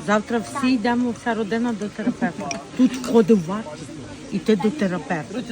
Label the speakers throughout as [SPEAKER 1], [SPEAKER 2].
[SPEAKER 1] Завтра всі йдемо, вся родина до терапевта. Тут входить вартість, іти до терапевта.
[SPEAKER 2] Короче,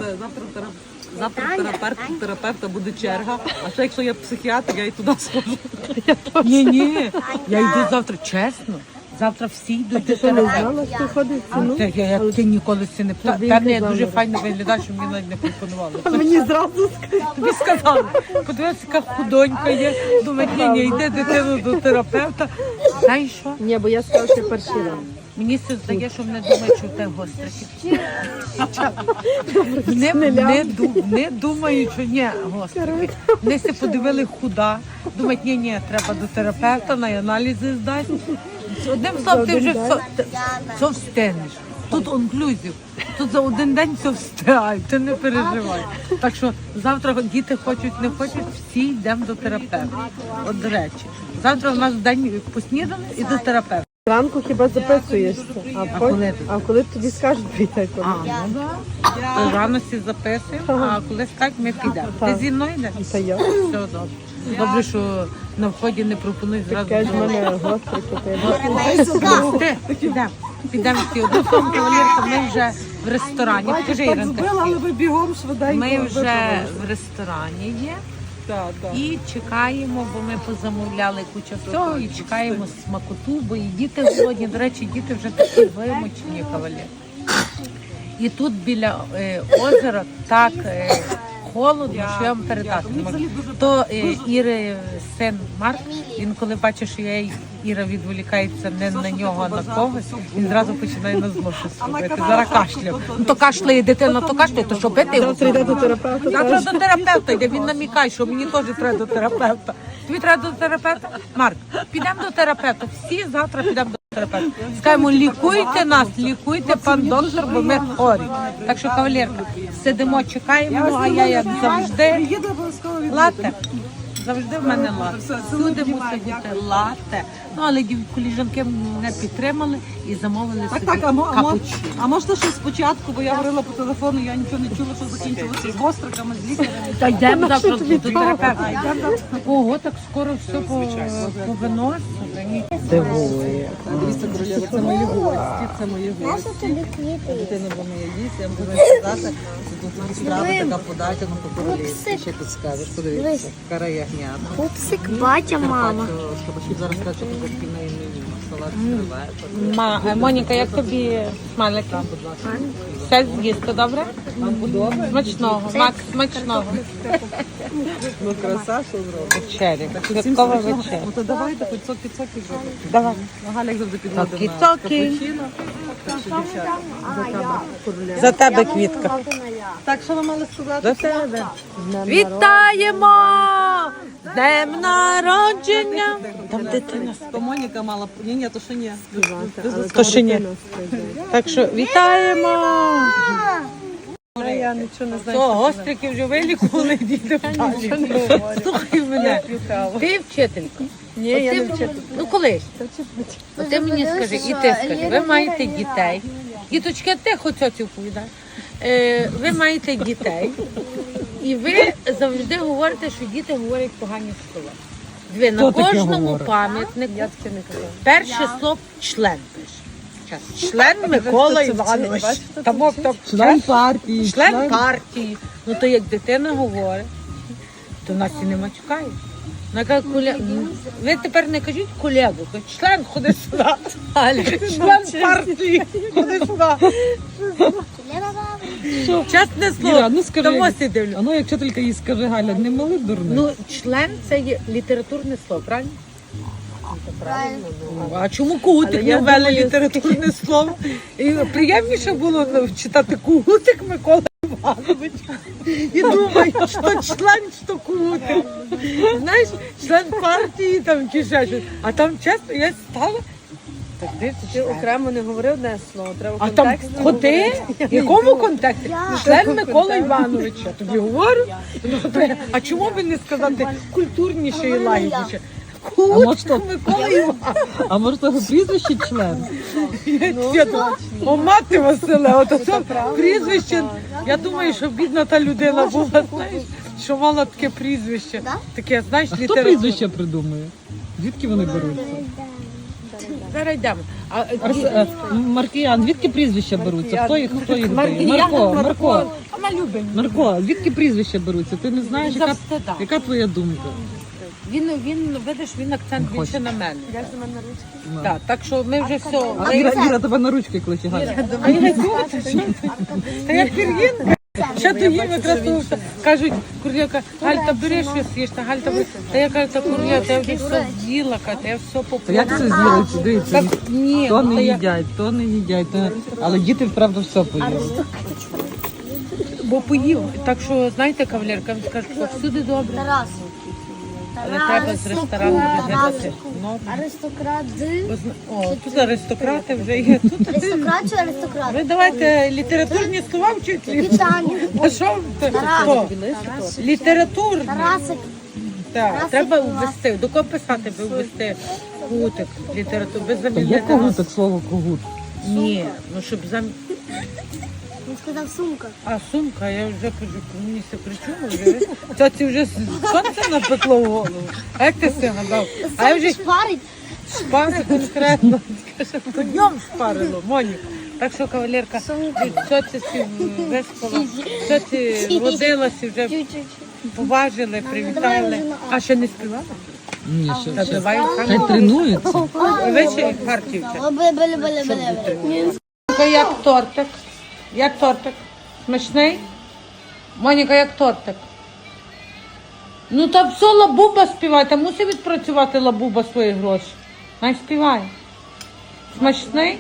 [SPEAKER 2] завтра терапевта буде черга, а ще якщо я психіатр, я і туди схожу.
[SPEAKER 1] Ні, я йду завтра, чесно. Завтра всі йдуть до терапевта.
[SPEAKER 3] Хто ходить в ціну?
[SPEAKER 1] Ти ніколи це не певне, я дуже файно виглядаю, що мені навіть не пропонували.
[SPEAKER 3] Мені зразу
[SPEAKER 1] Тобі сказали, подивися, яка худонька є. Думаю, ні, йде дитину до терапевта. Знаєш що?
[SPEAKER 3] Ні, бо я сказала, що перший раз.
[SPEAKER 1] Мені це здає, що вони думають, що в тебе гострики. Не думають, що ні, гострики. Вони се подивили худа. Думають, ні, треба до терапевта, на аналізи здасть. Одним словом, ти вже все встигнеш. Тут онклюзів. Тут за один день все встигають, ти не переживай. Так що завтра діти хочуть, не хочуть, всі йдемо до терапевта. От, до речі, завтра у нас день поснідали і до терапевта.
[SPEAKER 3] Зранку хіба записуєшся, а коли тоді скажуть прийти?
[SPEAKER 1] Рано всі записуємо, а коли скажуть, ми підемо. Ти зі мною йдеш?
[SPEAKER 3] Та я.
[SPEAKER 1] Все добре. Добре, що на вході не пропонують зразу.
[SPEAKER 3] Каже, в мене гострики.
[SPEAKER 1] Підемо всі. Одну тому кавалерка, ми вже в ресторані. Покажи, Іринка.
[SPEAKER 2] Але ви бігом швиденько.
[SPEAKER 1] Ми вже в ресторані є.
[SPEAKER 2] Так.
[SPEAKER 1] І чекаємо, бо ми позамовляли кучу всього і чекаємо смакоту, бо і діти голодні. До речі, діти вже такі вимучені, кавалер. І тут біля озера так холодно, що я вам передати не можу. То Іри син Марк, він коли бачить, що Іра відволікається не на нього, а на когось, він зразу починає на зло щось робити. Зараз кашляв. Ну то кашляє дитина, то кашляє, то що пити його?
[SPEAKER 3] Завтра йде до терапевта.
[SPEAKER 1] Завтра до терапевта йде, він намікає, що мені теж треба до терапевта. Тобі треба до терапевта? Марк, підемо до терапевта. Всі завтра підемо до терапевта. Скажемо, лікуйте нас, лікуйте, пан доктор, бо ми хворі. Так що, кавалерка, сидимо, чекаємо, ну, а я як завжди. Лате. Завжди в мене лате. Всюди мусить бути лате. Ну, але коліжанки мене підтримали і замовили собі капучино.
[SPEAKER 2] А можна щось спочатку, бо я говорила по телефону, я нічого не чула, що закінчилося з гостриками, з лікарями.
[SPEAKER 1] Та йдемо завтра до терапевта. Ого, так скоро все повиноситься. Дивує.
[SPEAKER 2] Дивіться, королева, це мої гості, це мої гості. Дитина бо моя їсть, я вам буду сказати, що тут страва така подача, ну по-королівськи. Ще тут скажеш, подивіться, кара ягнята.
[SPEAKER 4] Пупсик, батя, мама.
[SPEAKER 2] Щоб зараз сказати, що тут такі меню, салат креветок.
[SPEAKER 1] Моніка, як тобі смайлики? Все з'їсти, добре?
[SPEAKER 2] Вам подобається?
[SPEAKER 1] Смачного, Макс, смачного.
[SPEAKER 2] Ну краса, що зробить.
[SPEAKER 1] Вечері, святкова вечеря.
[SPEAKER 2] Ну то давайте, хоч соки-соки зробимо.
[SPEAKER 1] Давай.
[SPEAKER 2] Ну, Галя як завжди підводить на
[SPEAKER 1] Соки-соки.
[SPEAKER 2] капучино. Так що, дівчата, за тебе королева.
[SPEAKER 1] За тебе квітка.
[SPEAKER 2] Так, що ви мали сказати?
[SPEAKER 1] За тебе. Вітаємо! З днем народження! Там дитина.
[SPEAKER 2] То Моніка мала, ні, то ще ні.
[SPEAKER 1] То ще ні. Так що вітаємо!
[SPEAKER 3] Я нічого не знаю.
[SPEAKER 1] Що, гострики вже вилікували, діти далі. Слухай мене. Ти вчителька?
[SPEAKER 3] Ні, я не
[SPEAKER 1] Ти-
[SPEAKER 3] вчителька.
[SPEAKER 1] Ну колись. От ти мені скажи, і ти скажи, ви маєте дітей. Діточки, тихо цьоцю повідай. Ви маєте дітей. І ви завжди говорите, що діти говорять погані слова. Ви на кожному пам'ятнику перше слово член пише. Член Микола Іванович.
[SPEAKER 2] Член партії.
[SPEAKER 1] Член партії. Ну то як дитина говорить, то нас і не мачкає. Вона каже, ви тепер не кажіть колегу, кажіть, член, ходи сюди. Член партії, ходи сюди. Чесне слово,
[SPEAKER 2] Іра, ну скажи,
[SPEAKER 1] тому дивлю.
[SPEAKER 2] а ну як вчителька їй скаже, Галя, не мали дурних?
[SPEAKER 1] Ну, член це є літературне слово, правильно? А чому кугутик не ввели літературне слово? І приємніше було читати кугутик Микола Іванович. І думаю, що член, що кугутик. Знаєш, член партії там чи ще щось. А там чесно, я стала. Так дивіться,
[SPEAKER 3] Ти окремо не говорив одне слово, треба
[SPEAKER 1] а там
[SPEAKER 3] контекст.
[SPEAKER 1] ходи? В якому контексті? Член Микола Іванович, я тобі говорю. А чому би не сказати культурніше і лагідніше? Кучка Микола Іванович.
[SPEAKER 2] А може того прізвище член?
[SPEAKER 1] О, мати Василе, от це прізвище. Я думаю, що бідна та людина була, знаєш, що мала таке прізвище. Таке, знаєш,
[SPEAKER 2] А хто прізвище придумує? Звідки вони беруться?
[SPEAKER 1] Зараз йдемо.
[SPEAKER 2] Маркіян, звідки прізвища беруться? Хто їх дає? Марко.
[SPEAKER 1] Вона любить.
[SPEAKER 2] Марко, звідки прізвища беруться? Ти не знаєш,
[SPEAKER 1] Завстида.
[SPEAKER 2] яка твоя думка?
[SPEAKER 1] Він, видиш, він акцент
[SPEAKER 2] Хоче.
[SPEAKER 1] більше на мене.
[SPEAKER 4] Я на ручки.
[SPEAKER 1] Так, так що ми вже все.
[SPEAKER 2] Іра тебе на ручки кличе, Галя.
[SPEAKER 1] Та я пір'їнка. Ще то їм якраз того, що кажуть, Курлєвка, Галь, та бери щось їж, та Галь, та бери. Та я кажу, та Курлєва, та я вже все з'їла, та я все
[SPEAKER 2] Та
[SPEAKER 1] попробувала.
[SPEAKER 2] як це зробити? Дивіться,
[SPEAKER 1] Так, ні,
[SPEAKER 2] то
[SPEAKER 1] ну, та
[SPEAKER 2] не
[SPEAKER 1] я-
[SPEAKER 2] їдять, то не їдять. Але діти, вправду, все поїли.
[SPEAKER 1] Бо поїв. Так що, знаєте, кавалерка, він скаже, що всюди добре.
[SPEAKER 4] Тарас.
[SPEAKER 1] Але треба з ресторану відгадати. Ну,
[SPEAKER 4] Аристократ.
[SPEAKER 1] о, тут аристократи вже є. Тут
[SPEAKER 4] Аристократ чи аристократ?
[SPEAKER 1] ви давайте літературні слова вчити.
[SPEAKER 4] Вітання.
[SPEAKER 1] А що ви? Хто? Літературні.
[SPEAKER 4] Тарасик.
[SPEAKER 1] Так, треба ввести. До кого писати би ввести кутик літературу? Без
[SPEAKER 2] Та є
[SPEAKER 1] замінити.
[SPEAKER 2] когуток, слово когут.
[SPEAKER 1] Ні, ну щоб
[SPEAKER 4] Він сказав сумка.
[SPEAKER 1] А сумка, я вже кажу, мені все причому вже. Це вже сонце напекло в голову. А як ти це гадав? А я вже
[SPEAKER 4] Шпарить.
[SPEAKER 1] шпари конкретно. Скажи, днем шпарило, Моніка. Так що, кавалерка, що це всі виспала, що ти родилася, вже
[SPEAKER 4] Чуть-чуть.
[SPEAKER 1] поважили, привітали. А ще не співала?
[SPEAKER 2] Ні,
[SPEAKER 1] Та
[SPEAKER 2] ще.
[SPEAKER 1] давай
[SPEAKER 2] Хай тренуються.
[SPEAKER 1] Ви ще партію вчать.
[SPEAKER 4] Били-били-били-били.
[SPEAKER 1] Моніка, як тортик? Як тортик? Смачний? Моніка, як тортик? Ну та все, Лабуба співає, та мусить відпрацювати Лабуба свої гроші. Най співає. Смачний?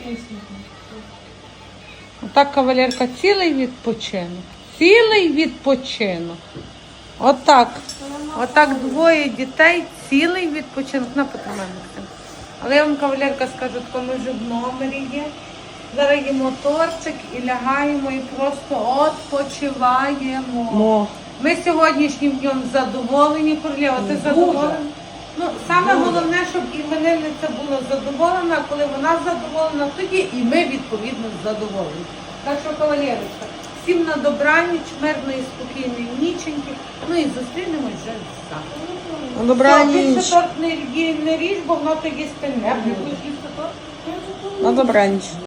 [SPEAKER 1] Отак, кавалерка, цілий відпочинок. Цілий відпочинок. Отак. Отак двоє дітей, цілий відпочинок. На потримай, Максим. Але я вам, кавалерка, скажу, тако ми вже в номері є. Зараз їмо тортик і лягаємо і просто відпочиваємо. Ми сьогоднішнім днем задоволені, Курлєва, ти задоволена? Ну, саме головне, щоб іменинниця була задоволена, а коли вона задоволена, тоді і ми, відповідно, задоволені. Так що, кавалерочка, всім на добраніч, мирної, спокійної ніченьки, ну і зустрінемось вже завтра.
[SPEAKER 3] Добраніч.
[SPEAKER 1] Більше торт не ріж, бо воно то їсти не буде.
[SPEAKER 3] На добраніч.